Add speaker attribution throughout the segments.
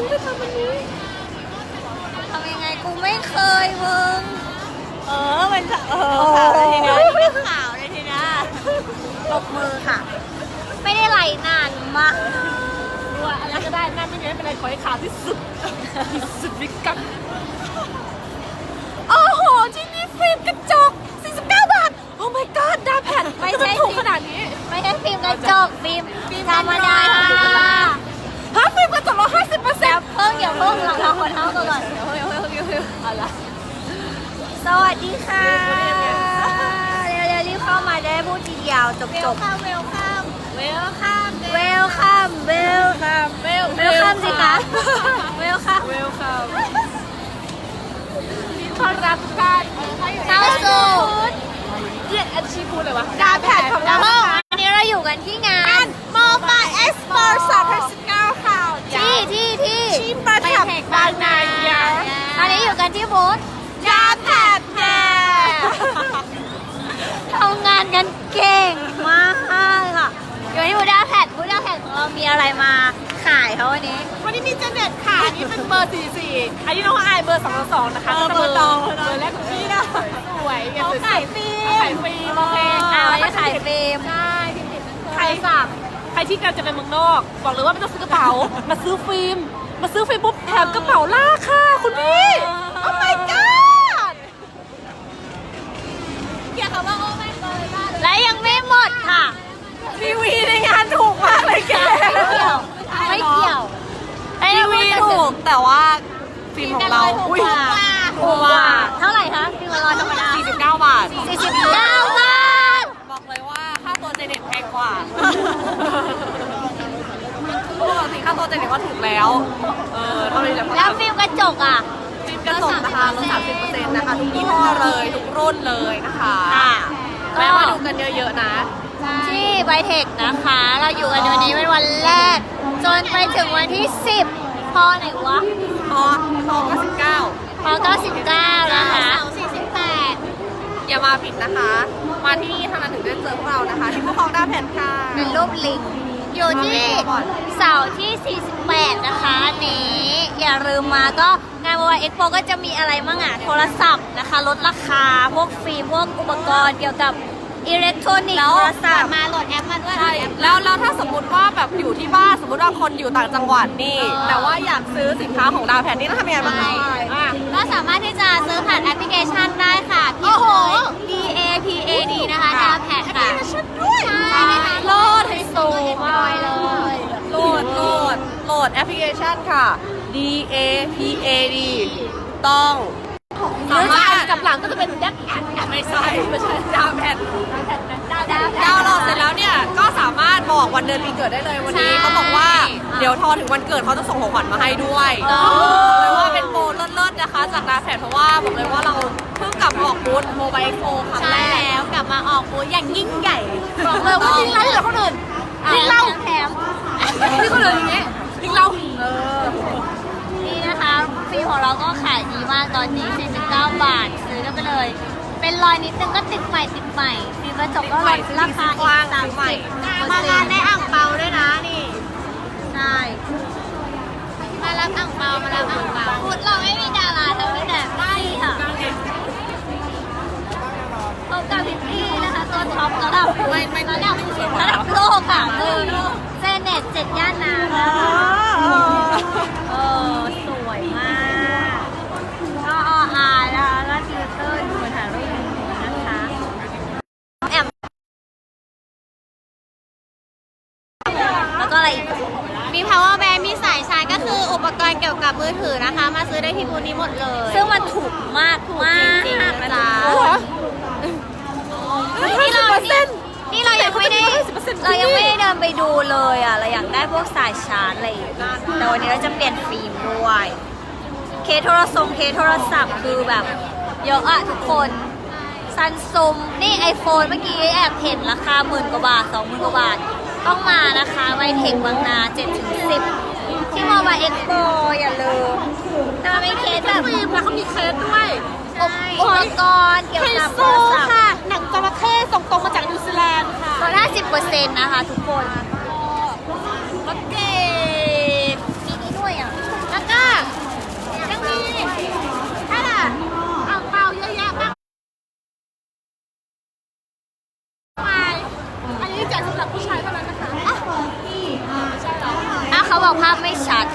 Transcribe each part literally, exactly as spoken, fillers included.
Speaker 1: งไปทำอันนี้
Speaker 2: ทำยังไงกูไม่เคยมึง
Speaker 1: เออมันจะเออขาวเลยทีนี้
Speaker 2: ไม่ขาวเลยทีนี้ตบมือค่ะไม่ได้ไหลนานมาก
Speaker 1: ว่าอะไรก็ได้หน้าไม่เนี้ยเป็นอะไรขอให้ขาวที่สุดที่สุดวิกังโอ้โหที่นี่ฟิล์มกระจกสี่สิบเก้าบาทโอ้ my god ดาแผ่น
Speaker 2: ไม่ใช่
Speaker 1: ถูกขนาดนี้
Speaker 2: ไม่ใช่ฟิล์มกระจกฟิล์มธรรมดา
Speaker 1: ฮะฟิล์มกระจกลดห้าสิบเปอร์เซ็นต์
Speaker 2: เพิ่งอย่าเพิ่งเราเราคนเท่ากันก่อน
Speaker 1: เฮ้ยเฮ้ยเฮ้ยเฮ้ยอะไร
Speaker 2: สวัสดีค่ะเร็วๆรีบเข้ามาได้พูดทีเดียวจบจบ
Speaker 1: เวลคัมเวลคัม
Speaker 2: เวลคัมเวลคัม
Speaker 1: เวล
Speaker 2: เวลคัมสิคะเวลคัม
Speaker 1: เวลคัมต้อนรับกัน
Speaker 2: เข้าสู่
Speaker 1: เรียกอาชีพพูดเลยวะดาแพดของเรา
Speaker 2: วันนี้เราอยู่กันที่งาน
Speaker 1: Mobile Expo สองพันสิบเก้าค่ะ
Speaker 2: ที่ที่ที่
Speaker 1: ที่ประเทศบางนา
Speaker 2: ตอนนี้อยู่กันที่บูธ
Speaker 1: ดาแพดแพด
Speaker 2: ทำงานกันเก่งมากค่ะอยู่ที่บูธดาแพดบูธดาแพดของเรามีอะไรมาขายเขาวันนี้
Speaker 1: วันนี้มีเจเน็ตค่ะอันนี้เป็นเบอร์สี่สี่อันนี้น้องอายเบอร์สองสองนะคะ
Speaker 2: เบอร์ตอง
Speaker 1: เบอร์แรกของพี่นะสวย
Speaker 2: เขาขายฟิล์ม
Speaker 1: ขายฟิล์มโอเค
Speaker 2: อ่าไม่ขายฟิล์ม
Speaker 1: ใช่ใครสั่งใครที่กำลังจะไปเมืองนอกบอกเลยว่าไม่ต้องซื้อกระเป๋ามาซื้อฟิล์มมาซื้อฟิล์มปุ๊บแถมกระเป๋าลากค่ะคุณพี่โอ้ my god
Speaker 2: เกี่ยวกับว่าโอ้ไม่เคยได้และยังไม่หมดค่ะ
Speaker 1: ทีวีในงานถูกมากเลยแก
Speaker 2: ไม่เกี่ยวไม่เกี่ยว
Speaker 1: ทีวีถูกแต่ว่าฟิล์มของเรา
Speaker 2: อุ้ยถูกกว่าเท่าไหร่คะฟิล์มลอยธรรมดา
Speaker 1: สี่สิบเก้าบาท
Speaker 2: สี่สิบเก้าบาท
Speaker 1: บอกเลยว่าค่าตัวเจเน็ตแพงกว่าปกติค่าตัวเจเน็ตก็ถูกแล้วเออเท่านี้แหละ
Speaker 2: แล้วฟิล์มกระจกอ่ะ
Speaker 1: ฟิล์มกระจกนะคะลดสามสิบเปอร์เซ็นต์นะคะทุกยี่ห้อเลยทุกรุ่นเลยนะคะแวะมาดูกันเยอะๆนะ
Speaker 2: ที่ไบเทคนะคะเราอยู่กันวันนี้เป็นวันแรกจนไปถึงวันที่สิบพอไหนวะ
Speaker 1: พอพอเก้าสิบเก้า
Speaker 2: พอเก้าสิบเก้านะคะสี่สิบแปด
Speaker 1: อย่ามาผิดนะคะมาที่นี่เท่านั้นถึงได้เจอพวกเรานะคะที่พวกเราได้แผ่นค่ะ
Speaker 2: เป็นรูปลิงอยู่ที่เสาที่สี่สิบแปดนะคะนี้อย่าลืมมาก็งาน Mobile Expo ก็จะมีอะไรมั่งอ่ะโทรศัพท์นะคะลดราคาพวกฟิล์มพวกอุปกรณ์เกี่ยวกับอิเล็กทรอนิกส์โทรศัพท์มาโหลดแอปมาด้วย
Speaker 1: ใช่แล้วแล้วถ้าสมมติว่าแบบอยู่ที่บ้านสมมติว่าคนอยู่ต่างจังหวัดนี่แต่ว่าอยากซื้อสินค้าของดาวแผ่นนี่ต้องทำยังไงบ้าง
Speaker 2: ก็สามารถที่จะซื้อผ่านแอปพลิเคชันได้ค่ะพิมพ์เลย D A P A D นะคะดาวแผ่นค่ะ
Speaker 1: ใช่โหลดให้สูงมากเลยโหลดโหลดโหลดแอปพลิเคชันค่ะ D A P A D ต้องสามารถกับหลังก็จะเป็นดักแอนไม่ใช่ไม่ใช่ดาวแผ่นดาวน์โหลดเสร็จแล้วเนี่ยก็สามารถบอกวันเดือนปีเกิดได้เลยวันนี้เขาบอกว่าเดี๋ยวทอถึงวันเกิดเขาจะส่งของขวัญมาให้ด้วยเลยว่าเป็นโปรเลิศๆนะคะจากดาวแผ่นเพราะว่าบอกเลยว่าเราเพิ่งกลับมาออกบูธโมบายเอ็กซ์โปครั้งแรก
Speaker 2: แล้วกลับมาออกบูธอย่างยิ่งใหญ่
Speaker 1: บอกเลยว่าทิ้งเราเหลือคนอื่นทิ้งเรา
Speaker 2: แถม
Speaker 1: ทิ้งคนอื่นอย่างนี้ทิ้งเรา
Speaker 2: นี่นะคะฟิล์มของเราก็ขายดีมากตอนนี้สี่สิบเก้าบาทซื้อกันไปเลยเป็นรอยนิดนึงก็ติดใหม่ติดใหม่ฟิล์มกระจกก็ลดราคาอีกสามสิบมางานได้อ่างเปาด้วยนะนี่ใช่มารับอ่างเปามารับอ่างเปาพูดเราไม่มีดาราแต่ไม่แต่ได้ค่ะพบกับพิตตี้นะคะตัวท็อประดับไม่ไม่ระดับระดับโลกค่ะคือเซเน็ตเจ็ดย่านน้ำนะคะเออสวยมากก็ออาร์นะคะแล้วฟิลเตอร์ดูเหมือนถ่ายรูปนะคะแอมแล้วก็อะไรอีกมี power bank มีสายชาร์จก็คืออุปกรณ์เกี่ยวกับมือถือนะคะมาซื้อได้ที่บูธนี้หมดเลยซึ่งมันถูกมากถูกจริงๆนะจ๊ะนี่เรานี่เรายังไม่ได้เรายังไม่ได้เดินไปดูเลยอ่ะเราอยากได้พวกสายชาร์จอะไรแต่วันนี้เราจะเปลี่ยนฟิล์มด้วยเคสโทรศัพท์เคสโทรศัพท์คือแบบเยอะอะทุกคนซันซุมนี่ไอโฟนเมื่อกี้แอบเห็นราคาหมื่นกว่าบาทสองหมื่นกว่าบาทต้องมานะคะไวเทคบางนา เจ็ดถึงสิบ ที่มอมาเอ็กโปอย่าลืมแต่มันเป็นเคสแบบ
Speaker 1: ฟิล์มแล้วเขามีเคสด้วย
Speaker 2: อุปกรณ์เกี่ยวกับโทรศัพท์
Speaker 1: ค่ะหนังจระเข้ส่งตรงมาจากนิวซีแลนด์ค่ะ
Speaker 2: ลดห้าสิบเปอร์เซ็นต์นะคะทุกคน
Speaker 1: รถเกต
Speaker 2: มีนี่ด้วยอ่ะหน้า
Speaker 1: สำหรับผู้ชายเท่านั้นนะคะ
Speaker 2: อ่ะเขาบอกภาพไม่ชัด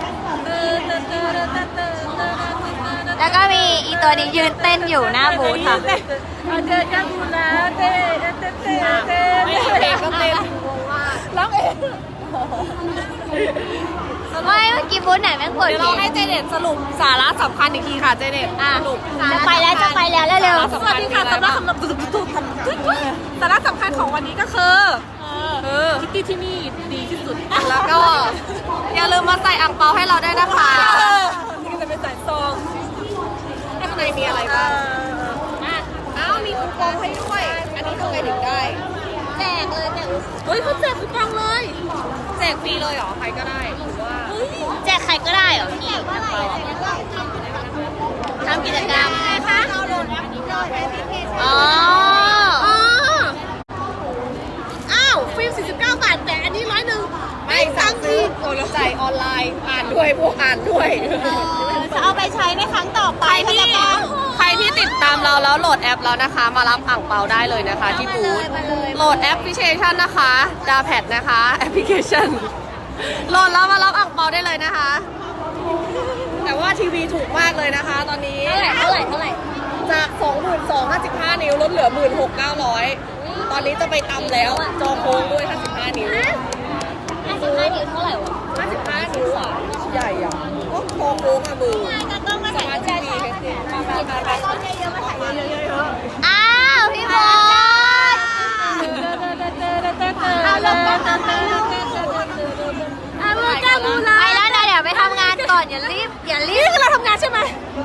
Speaker 2: แล้วก็มีอีตัวนี้ยืนเต้นอยู่หน้าบูธค่ะ
Speaker 1: เดินกันบูนะเต้เต้เต้เต้เต้เพลงก็เต้นร้องเอง
Speaker 2: ไม่เมื่อกี้บูธไหนแม่งเปิด
Speaker 1: เดี๋ยว
Speaker 2: เพล
Speaker 1: เรา
Speaker 2: ง
Speaker 1: ให้เจเน็ตสรุปสาระสำคัญอีกทีค่ะเจเน็ต
Speaker 2: อ่ะ
Speaker 1: สรุป
Speaker 2: จะไปแล้วจะไปแล้วเร็ว
Speaker 1: สวัสดีค่ะสาระสำคัญสาระสำคัญของวันนี้ก็คือคือคิตตี้ที่นี่ดีที่สุด แล้วก็อย่าลืมมาใส่อ่างเปาให้เราได้วยนะคะนี่ก็จะเป็นใส่ซองข้างในมีอะไรบ้างอ้าวมีคูปองให้ด้วย อันนี้ทำไงถึงได้
Speaker 2: ๆแจกเลยแจก
Speaker 1: เฮ้ยเขาแจกคูปองเลย แจกฟรีเลยเหรอ ใครก็ได้หรือว่า
Speaker 2: แจกใครก็ได้เหรอพี่ทำกิจกรรมไงคะอ๋อ
Speaker 1: อ้าวฟิล์มสี่สิบเก้าบาทแต่อันนี้ร้อยหนึ่งไม่สั่งซื้อโอนจ่ายออนไลน์อ่านด้วยพวกอ่านด้วย
Speaker 2: จะเอาไปใช้ในครั้งต่อไป
Speaker 1: ใครที่ใครที่ติดตามเราแล้วโหลดแอปแล้วนะคะ มารับอ่างเปาได้เลยนะคะ ที่บูธโหลดแอปพลิเคชันนะคะดาแพดนะคะแอปพลิเคชันโหลดแล้วมารับอ่างเปาได้เลยนะคะ แต่ว่าทีวีถูกมากเลยนะคะ ตอนนี้
Speaker 2: เท่าไหร่เท่าไหร่เท่าไหร่
Speaker 1: จาก สองหมื่นสองพันห้าสิบห้า นิ้วลดเหลือ หนึ่งหมื่นหกพันเก้าร้อย ตอนนี้จะไปตำแล้วจอโค้งด้วยห้าสิบห้านิ้ว
Speaker 2: ห้าสิบห้านิ้วเท่าไหร่วะ
Speaker 1: ห้าสิบห้านิ้วอ่ะใหญ่อ่ะก็คอโค้งอ่ะมือ
Speaker 2: ก็ต้องมา
Speaker 1: ส
Speaker 2: ถ่าย
Speaker 1: มาร์ททีวีเฮดเซ็ตไปไปไป
Speaker 2: อ้าวพี่บอลเอาลงมาทำไมลูกไปแล้วนะเดี๋ยวไปทำงานก่อนอย่ารีบอย่ารีบ
Speaker 1: นี่คือเราทำงานใช่ไหม
Speaker 2: ไ